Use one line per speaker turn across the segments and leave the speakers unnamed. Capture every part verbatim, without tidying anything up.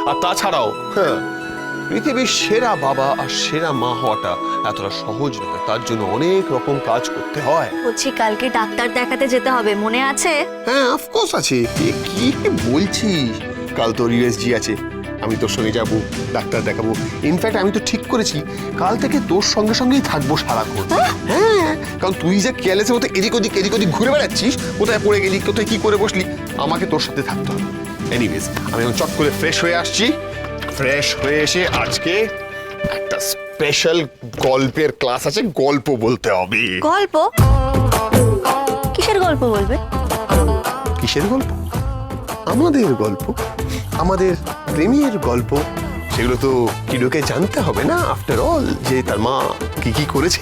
আর তাছাড়াও হ্যাঁ পৃথিবীর সেরা বাবা আর সেরা মা হওয়াটা এতটা সহজ নয়, তার জন্য অনেক রকম কাজ করতে হয়।
বলছি কালকে ডাক্তার দেখাতে যেতে হবে, মনে আছে?
হ্যাঁ অফকোর্স আছে। এ কি বলছিস, কাল তোর ইউএসজি আছে, আমি তোর সঙ্গে যাবো, ডাক্তার দেখাবো। ইনফ্যাক্ট আমি তো ঠিক করেছি কাল থেকে তোর সঙ্গে সঙ্গেই থাকবো সারাক্ষণ। হ্যাঁ কারণ তুই যে কেয়ারলেসের মতো এদিক ওদিক এদিক ওদিক ঘুরে বেড়াচ্ছিস, কোথায় পড়ে গেলি, কোথায় কি করে বসলি, আমাকে তোর সাথে থাকতে হবে। এনিওয়েজ আমি এখন চট করে ফ্রেশ হয়ে আসছি। ফ্রেশ হয়ে এসে আজকে একটা স্পেশাল গল্পের ক্লাস আছে, গল্প বলতে হবে।
গল্প? কিসের গল্প বলবে?
কিসের গল্প? আমাদের গল্প, আমাদের প্রেমের গল্প। সেগুলো তো কিলোকে জানতে হবে না, আফটার অল, যে তার মা কি কি করেছে।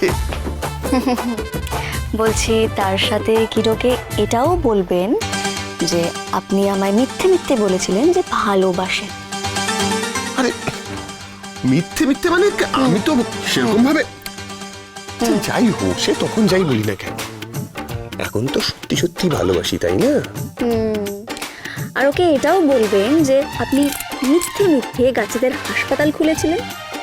বলছি তার সাথে কিরোকে এটাও বলবেন যে আপনি আমায় মিথ্যে মিথ্যে বলেছিলেন যে ভালোবাসেন।
আরে মিথ্যে মিথ্যে মানে আমি তো সেরকম ভাবে, যাই হোক সে তখন যাই বলি না কেন, এখন তো সত্যি সত্যি ভালোবাসি, তাই না?
আর ওকে এটাও বলবেন যে আপনি মিথ্যে মিথ্যে গাছেদের হাসপাতাল খুলেছিলেন।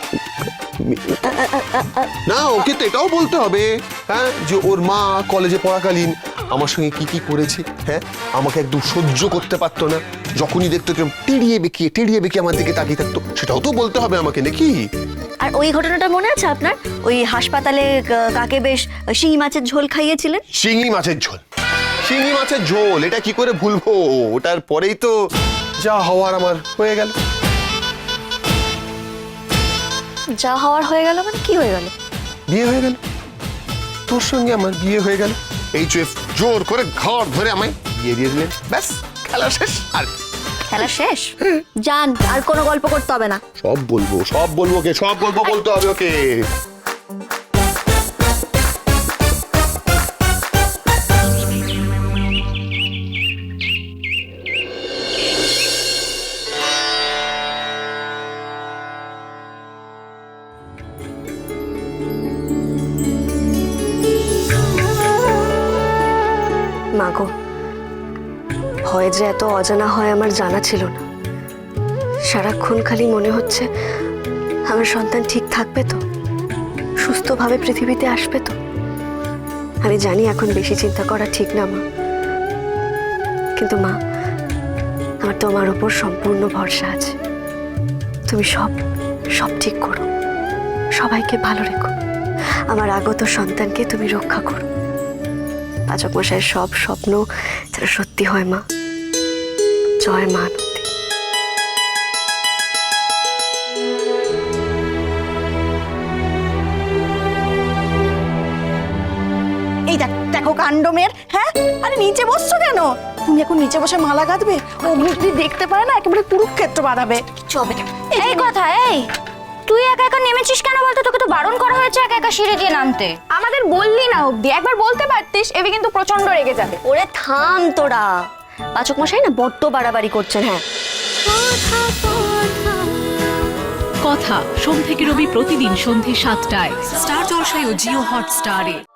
না ওকে তো এটাও বলতে হবে হ্যাঁ, যে ওর মা কলেজে পড়াকালীন আমার সঙ্গে কি কি করেছে। হ্যাঁ আমাকে একদম সহ্য করতে পারতো না, যখনই দেখতো টিড়িয়ে বেঁকিয়ে টিড়িয়ে বেঁকিয়ে আমার দিকে তাকিয়ে থাকতো, সেটাও তো বলতে হবে আমাকে, নাকি?
আর ওই ঘটনাটা মনে আছে আপনার? ওই হাসপাতালে কাকে বেশ শিঙি মাছের ঝোল খাইয়েছিলেন।
শিঙি মাছের ঝোল? শিঙি মাছের ঝোল এটা কি করে ভুলবো? ওটার পরেই তো যা হওয়ার আমার হয়ে গেল।
যা হওয়ার হয়ে গেল মানে কি হয়ে গেল?
বিয়ে হয়ে গেল, তোর সঙ্গে আমার বিয়ে হয়ে গেল। এই চুয়ে জোর করে ঘর ধরে আমায় বিয়ে দিয়ে দিলেন, ব্যাস খেলা শেষ। আর
খেলা শেষ? যান, আর কোনো গল্প করতে হবে না।
সব বলবো, সব বলবো, ওকে সব গল্প বলতে হবে ওকে।
মাগো, ভয় যে এত অজানা হয় আমার জানা ছিল না। সারাক্ষণ খালি মনে হচ্ছে আমার সন্তান ঠিক থাকবে তো, সুস্থভাবে পৃথিবীতে আসবে তো। আমি জানি এখন বেশি চিন্তা করা ঠিক না মা, কিন্তু মা আমার তোমার উপর সম্পূর্ণ ভরসা আছে। তুমি সব সব ঠিক করো, সবাইকে ভালো রেখো, আমার আগত সন্তানকে তুমি রক্ষা করো। পাচক মশাইয়ের সব স্বপ্ন যেন সত্যি হয় মা। জয় মা।
এই দেখ, দেখো কাণ্ড মেয়ের। হ্যাঁ আরে নিচে বসছো কেন? তুমি এখন নিচে বসে মালা গাঁথবে? অগ্নি যদি দেখতে পারে না একেবারে কুরুক্ষেত্র বাড়াবে।
চবে
এই কথা, এই তুই একা একা নেমেছিস কেন বলতো? তোকে তো বারণ করা হয়েছে একা একা সিঁড়ি দিয়ে নামতে।
আমাদের বললি না অবধি, একবার বলতে পারতিস। এবে কিন্তু প্রচন্ড রেগে যাবে।
ওরে থাম তোরা, পাচক মশাই না বড্ড বাড়াবাড়ি করছেন। হ্যাঁ
কথা সোম থেকে রবি প্রতিদিন সন্ধ্যে সাতটায় স্টার জলসায় ও জিও হটস্টারে।